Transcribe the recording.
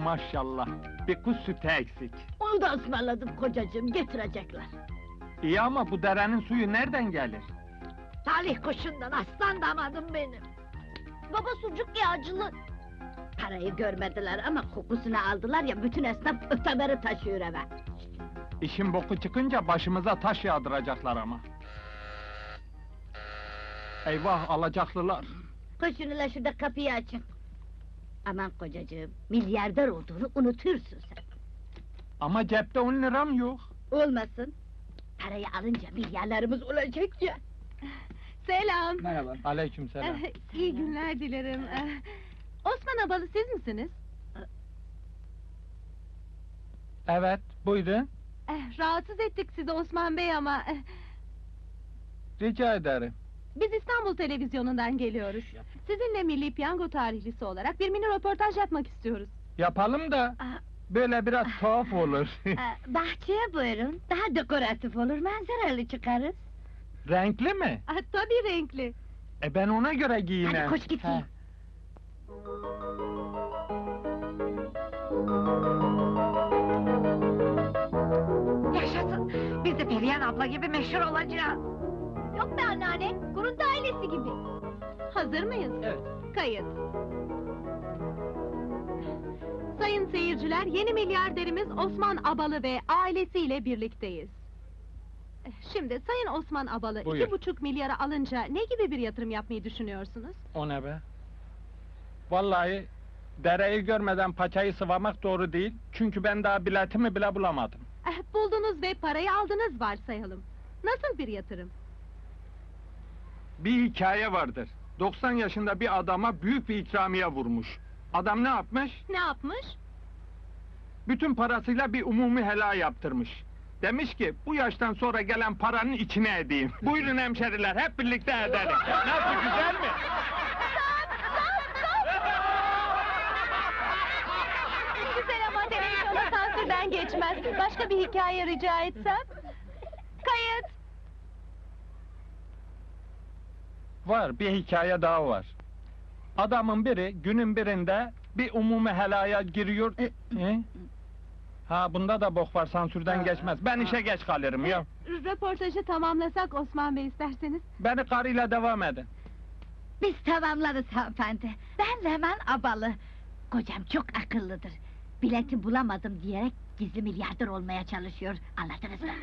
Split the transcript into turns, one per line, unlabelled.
maşallah. Bir kuş sütü eksik.
Onu da ısmarladım kocacığım, getirecekler.
İyi ama bu derenin suyu nereden gelir?
Talih kuşundan, aslan damadım benim.
Baba sucuk yağcılı.
Parayı görmediler ama kokusunu aldılar ya, bütün esnaf ötemeri taşıyor eve.
İşin boku çıkınca başımıza taş yağdıracaklar ama. Eyvah, alacaklılar!
Koşun ile şurada kapıyı açın. Aman kocacığım, milyarder olduğunu unutursun sen.
Ama cepte 10 liram yok.
Olmasın. Parayı alınca milyarlarımız olacak ya.
Selam.
Merhaba.
Aleykümselam.
İyi günler dilerim. Osman Abalı siz misiniz?
Evet, buyurun.
Rahatsız ettik sizi Osman Bey ama...
Rica ederim.
Biz İstanbul Televizyonu'ndan geliyoruz. Sizinle Milli Piyango tarihlisi olarak bir mini röportaj yapmak istiyoruz.
Yapalım da, böyle biraz tuhaf olur.
Bahçeye buyurun, daha dekoratif olur, manzaralı çıkarız.
Renkli mi?
Tabii renkli.
Ben ona göre giyinem.
Hadi koş git giyin.
He.
Yaşasın! Biz de Perihan abla gibi meşhur olacağız.
Yok be anneanne, Kuruntu ailesi gibi. Hazır mıyız?
Evet.
Kayıt. Sayın seyirciler, yeni milyarderimiz Osman Abalı ve ailesiyle birlikteyiz. Şimdi Sayın Osman Abalı
Buyur.
2,5 milyara alınca ne gibi bir yatırım yapmayı düşünüyorsunuz?
O ne be? Vallahi, dereyi görmeden paçayı sıvamak doğru değil. Çünkü ben daha biletimi bile bulamadım.
Buldunuz ve parayı aldınız varsayalım. Nasıl bir yatırım?
Bir hikaye vardır. 90 yaşında bir adama büyük bir ikramiye vurmuş. Adam ne yapmış?
Ne yapmış?
Bütün parasıyla bir umumi helal yaptırmış. Demiş ki, bu yaştan sonra gelen paranın içine edeyim. Buyurun hemşeriler, hep birlikte edelim. Nasıl, güzel mi?
Güzel ama televizyonda sansürden geçmez. Başka bir hikaye rica etsem? Kayıt!
Var, bir hikaye daha var. Adamın biri, günün birinde bir umumi helaya giriyor... Ha, bunda da bok var, sansürden geçmez. Ben işe geç kalırım ya.
Röportajı tamamlasak Osman Bey isterseniz.
Beni karıyla devam edin.
Biz tamamlarız hanımefendi. Ben Leman Abalı. Kocam çok akıllıdır. Bileti bulamadım diyerek gizli milyarder olmaya çalışıyor. Anladınız mı?